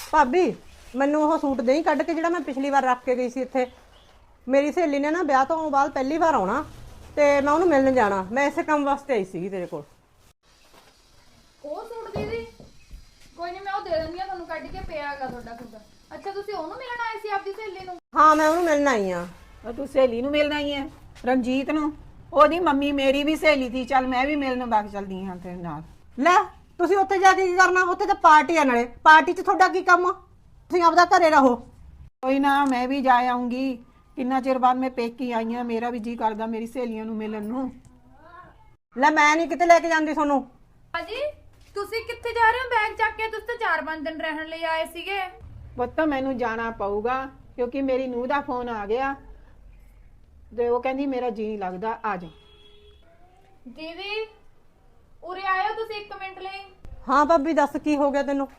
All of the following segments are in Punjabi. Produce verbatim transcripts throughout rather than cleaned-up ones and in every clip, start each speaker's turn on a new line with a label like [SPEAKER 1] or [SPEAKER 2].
[SPEAKER 1] भाभी मैनू वो सूट दें कढ़ के जिहड़ा मैं पिछली बार रख के गई सी इत्थे। मेरी सहेली ने ना ब्याह तो बाद पहली बार आना ते मैं उन्होंने मिलने जाना। मैं इसे काम वास्ते आई सी तेरे कोल।
[SPEAKER 2] ਉਹ ਸੂਟ ਦੀਦੀ ਕੋਈ ਨਹੀਂ, ਮੈਂ ਉਹ ਦੇ ਦਿੰਦੀ ਆ ਤੁਹਾਨੂੰ, ਕੱਢ ਕੇ ਪਿਆ ਹੈਗਾ ਤੁਹਾਡਾ ਸੂਟ। ਅੱਛਾ ਤੁਸੀਂ ਉਹਨੂੰ ਮਿਲਣ ਆਏ ਸੀ ਆਪਦੀ ਸਹੇਲੀ ਨੂੰ?
[SPEAKER 1] हाँ मैं उन्होंने मिलना आई हाँ।
[SPEAKER 3] तू सहेली नूं मिलना ही है रंजीत नूं? ओदी मम्मी मेरी भी सहेली थी, चल मैं भी मिलने बाग चलदी हां तेरे नाल।
[SPEAKER 1] ਲੈ ਤੁਸੀਂ ਉੱਥੇ ਜਾ ਕੇ ਕੀ ਕਰਨਾ? ਉੱਥੇ ਤਾਂ ਪਾਰਟੀ ਆ, ਨਾਲੇ ਪਾਰਟੀ 'ਚ ਤੁਹਾਡਾ ਕੀ ਕੰਮ? ਤੁਸੀਂ ਆਪਦਾ ਘਰੇ ਰਹੋ।
[SPEAKER 3] कोई ना मैं भी जा आऊंगी, किन्ना चिर बाद मैं पेकी आई हां, मेरा भी जी करदा मेरी सहेलियां नूं मिलन नूं।
[SPEAKER 1] ਲੈ ਮੈਂ ਨਹੀਂ ਕਿਤੇ ਲੈ ਕੇ ਜਾਂਦੀ ਤੁਹਾਨੂੰ।
[SPEAKER 2] ਹਾਜੀ ਤੁਸੀਂ ਕਿੱਥੇ ਜਾ ਰਹੇ ਹੋ ਬੈਗ ਚੱਕ ਕੇ? ਤੁਸੀਂ ਤਾਂ ਚਾਰ ਪੰਜ ਦਿਨ ਰਹਿਣ ਲਈ ਆਏ ਸੀਗੇ।
[SPEAKER 3] ਪੁੱਤ ਮੈਨੂੰ ਜਾਣਾ ਪਊਗਾ ਕਿਉਂਕਿ ਮੇਰੀ ਨੂੰਹ ਦਾ ਫੋਨ ਆ ਗਿਆ ਤੇ ਉਹ ਕਹਿੰਦੀ ਮੇਰਾ ਜੀ ਨਹੀਂ ਲੱਗਦਾ, ਆ ਜਾ।
[SPEAKER 2] ਦੀਦੀ ਉਰੇ ਆਇਓ ਤੁਸੀਂ ਇੱਕ ਮਿੰਟ ਲਈ।
[SPEAKER 1] ਹਾਂ ਭਾਬੀ ਦੱਸ ਕੀ ਹੋ ਗਿਆ ਤੈਨੂੰ?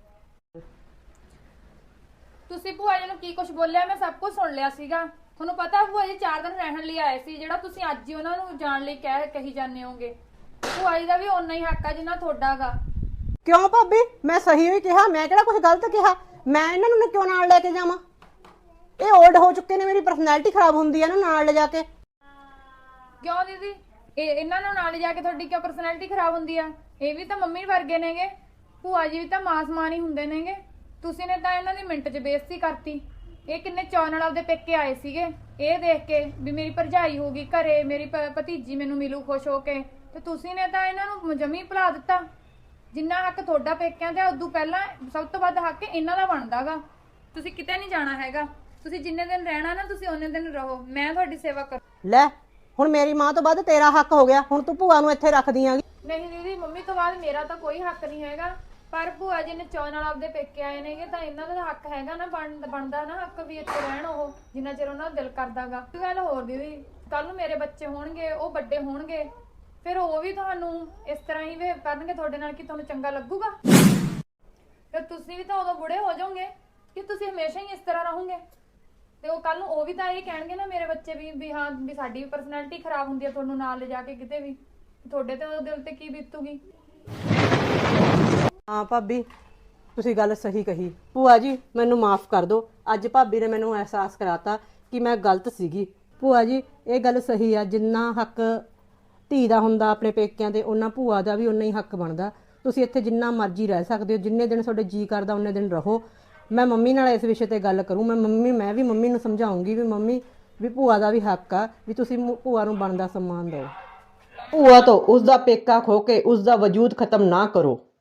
[SPEAKER 2] ਤੁਸੀਂ ਭੂਆ ਜੀ ਨੂੰ ਕੀ ਕੁਝ ਬੋਲਿਆ? ਮੈਂ ਸਭ ਕੁਝ ਸੁਣ ਲਿਆ ਸੀਗਾ। ਤੁਹਾਨੂੰ ਪਤਾ ਭੂਆ ਜੀ ਚਾਰ ਦਿਨ ਰਹਿਣ ਲਈ ਆਏ ਸੀ, ਜਿਹੜਾ ਤੁਸੀਂ ਅੱਜ ਹੀ ਉਹਨਾਂ ਨੂੰ ਜਾਣ ਲਈ ਕਹਿ ਕਹੀ ਜਾਂਦੇ ਹੋਗੇ। ਭੂਆ ਜੀ ਦਾ ਵੀ ਓਨਾ ਹੀ ਹੱਕ ਆ ਜਿੰਨਾ ਤੁਹਾਡਾਗਾ।
[SPEAKER 1] ਕਿਉਂ ਭਾਬੀ? ਮੈਂ ਸਹੀ ਹੀ ਕਿਹਾ, ਮੈਂ ਕਿਹੜਾ ਕੁਝ ਗਲਤ ਕਿਹਾ? ਮੈਂ ਇਹਨਾਂ ਨੂੰ ਕਿਉਂ ਨਾਲ ਲੈ ਕੇ ਜਾਵਾਂ? ਇਹ ਓਲਡ ਹੋ ਚੁੱਕੇ ਨੇ, ਮੇਰੀ ਪਰਸਨੈਲਿਟੀ ਖਰਾਬ ਹੁੰਦੀ ਹੈ ਨਾ ਨਾਲ ਲੈ ਜਾ ਕੇ।
[SPEAKER 2] ਕਿਉਂ ਦੀਦੀ ਇਹ ਇਹਨਾਂ ਨੂੰ ਨਾਲ ਜਾ ਕੇ ਤੁਹਾਡੀ ਕਿਉਂ ਪਰਸਨੈਲਿਟੀ ਖਰਾਬ ਹੁੰਦੀ ਆ? ਇਹ ਵੀ ਤਾਂ ਮੰਮੀ ਵਰਗੇ ਨੇਗੇ, ਭੂਆ ਜੀ ਵੀ ਤਾਂ ਮਾਂ ਸਮਾਨ ਹੀ ਹੁੰਦੇ ਨੇਗੇ। ਤੁਸੀਂ ਨੇ ਤਾਂ ਇਹਨਾਂ ਦੀ ਮਿੰਟ 'ਚ ਬੇਇੱਜ਼ਤੀ ਕਰਤੀ। ਇਹ ਕਿੰਨੇ ਚਾਅ ਨਾਲ ਆਪਦੇ ਪੇਕੇ ਆਏ ਸੀਗੇ ਇਹ ਦੇਖ ਕੇ ਵੀ ਮੇਰੀ ਭਰਜਾਈ ਹੋਊਗੀ ਘਰੇ, ਮੇਰੀ ਭ- ਭਤੀਜੀ ਮੈਨੂੰ ਮਿਲੂ ਖੁਸ਼ ਹੋ ਕੇ, ਤੇ ਤੁਸੀਂ ਨੇ ਤਾਂ ਇਹਨਾਂ ਨੂੰ ਜਮੀ ਭੁਲਾ ਦਿੱਤਾ। ਜਿੰਨਾ ਹੱਕ ਤੁਹਾਡਾ ਪੇਕਿਆਂ ਤੇ ਉਦੋਂ ਪਹਿਲਾਂ ਸਭ ਤੋਂ ਵੱਧ ਹੱਕ ਇਹਨਾਂ ਦਾ ਬਣਦਾਗਾ। ਤੁਸੀਂ ਕਿਤੇ ਨਹੀਂ ਜਾਣਾ ਹੈਗਾ, ਤੁਸੀਂ ਜਿੰਨੇ ਦਿਨ ਰਹਿਣਾ ਨਾ ਤੁਸੀਂ ਉਹਨੇ ਦਿਨ ਰਹੋ, ਮੈਂ ਤੁਹਾਡੀ ਸੇਵਾ ਕਰ।
[SPEAKER 1] ਲੈ ਹੁਣ ਮੇਰੀ ਮਾਂ ਤੋਂ ਵੱਧ ਤੇਰਾ ਹੱਕ ਹੋ ਗਿਆ, ਹੁਣ ਤੂੰ ਭੂਆ ਨੂੰ ਇੱਥੇ ਰੱਖਦੀ ਆਂਗੀ।
[SPEAKER 2] ਨਹੀਂ ਦੀਦੀ ਮੰਮੀ ਤੋਂ ਬਾਅਦ ਮੇਰਾ ਤਾਂ ਕੋਈ ਹੱਕ ਨਹੀਂ ਹੈਗਾ, ਪਰ ਭੂਆ ਜੀ ਨੇ ਚਾਅ ਨਾਲ ਆਪਦੇ ਪੇਕੇ ਆਏ ਨੇਗੇ ਤਾਂ ਇਹਨਾਂ ਦਾ ਹੱਕ ਹੈਗਾ ਨਾ, ਬਣ- ਬਣਦਾ ਨਾ ਹੱਕ ਵੀ ਇੱਥੇ ਰਹਿਣ ਉਹ ਜਿੰਨਾ ਚਿਰ ਉਹਨਾਂ ਦਾ ਦਿਲ ਕਰਦਾਗਾ। ਇੱਕ ਗੱਲ ਹੋਰ ਦੀਦੀ, ਕੱਲ ਨੂੰ ਮੇਰੇ ਬੱਚੇ ਹੋਣਗੇ, ਉਹ ਵੱਡੇ ਹੋਣਗੇ, ਫਿਰ ਉਹ ਵੀ ਤੁਹਾਨੂੰ ਇਸ ਤਰ੍ਹਾਂ ਹੀ ਬਿਹੇਵ ਕਰਨਗੇ ਤੁਹਾਡੇ ਨਾਲ, ਕਿ ਤੁਹਾਨੂੰ ਚੰਗਾ ਲੱਗੂਗਾ? ਫਿਰ ਤੁਸੀਂ ਵੀ ਤਾਂ ਉਦੋਂ ਬੁੜੇ ਹੋ ਜਾਓਗੇ ਕਿ ਤੁਸੀਂ ਹਮੇਸ਼ਾ ਹੀ ਇਸ ਤਰ੍ਹਾਂ ਰਹੋਗੇ। ਤੇ ਉਹ ਕੱਲ ਨੂੰ ਉਹ ਵੀ ਤਾਂ ਇਹ ਕਹਿਣਗੇ ਨਾ ਮੇਰੇ ਬੱਚੇ ਵੀ ਵੀ ਹਾਂ ਵੀ ਸਾਡੀ ਵੀ ਪਰਸਨੈਲਿਟੀ ਖਰਾਬ ਹੁੰਦੀ ਹੈ ਤੁਹਾਨੂੰ ਨਾਲ ਲੈ ਜਾ ਕੇ ਕਿਤੇ ਵੀ, ਤੁਹਾਡੇ ਤੇ ਉਹ ਦਿਲ ਤੇ ਕੀ ਬੀਤੂਗੀ?
[SPEAKER 1] ਹਾਂ ਭਾਬੀ ਤੁਸੀਂ ਗੱਲ ਸਹੀ ਕਹੀ। ਭੂਆ ਜੀ ਮੈਨੂੰ ਮਾਫ ਕਰ ਦਿਓ, ਅੱਜ ਭਾਬੀ ਨੇ ਮੈਨੂੰ ਅਹਿਸਾਸ ਕਰਾਤਾ ਕਿ ਮੈਂ ਗਲਤ ਸੀਗੀ। ਭੂਆ ਜੀ ਇਹ ਗੱਲ ਸਹੀ ਆ, ਜਿੰਨਾ ਹੱਕ ਧੀ ਦਾ ਹੁੰਦਾ ਆਪਣੇ ਪੇਕਿਆਂ ਤੇ, ਉਹਨਾਂ ਭੂਆ ਦਾ ਵੀ ਉਨਾ ਹੀ ਹੱਕ ਬਣਦਾ। ਤੁਸੀਂ ਇੱਥੇ ਜਿੰਨਾ ਮਰਜ਼ੀ ਰਹਿ ਸਕਦੇ ਹੋ, ਜਿੰਨੇ ਦਿਨ ਤੁਹਾਡੇ ਜੀ ਕਰਦਾ ਉਨੇ ਦਿਨ ਰਹੋ। ਮੈਂ ਮੰਮੀ ਨਾਲ ਇਸ ਵਿਸ਼ੇ ਤੇ ਗੱਲ ਕਰੂੰ। ਮੈਂ ਮੰਮੀ ਮੈਂ ਵੀ ਮੰਮੀ ਨੂੰ ਸਮਝਾਉਂਗੀ ਵੀ ਮੰਮੀ ਵੀ ਭੂਆ ਦਾ ਵੀ ਹੱਕ ਆ ਵੀ ਤੁਸੀਂ ਭੂਆ ਨੂੰ ਬਣਦਾ ਸਨਮਾਨ ਦਿਓ। ਭੂਆ ਤੋਂ ਉਸ ਦਾ ਪੇਕਾ ਖੋ ਕੇ ਉਸ ਦਾ ਵਜੂਦ ਖਤਮ ਨਾ ਕਰੋ।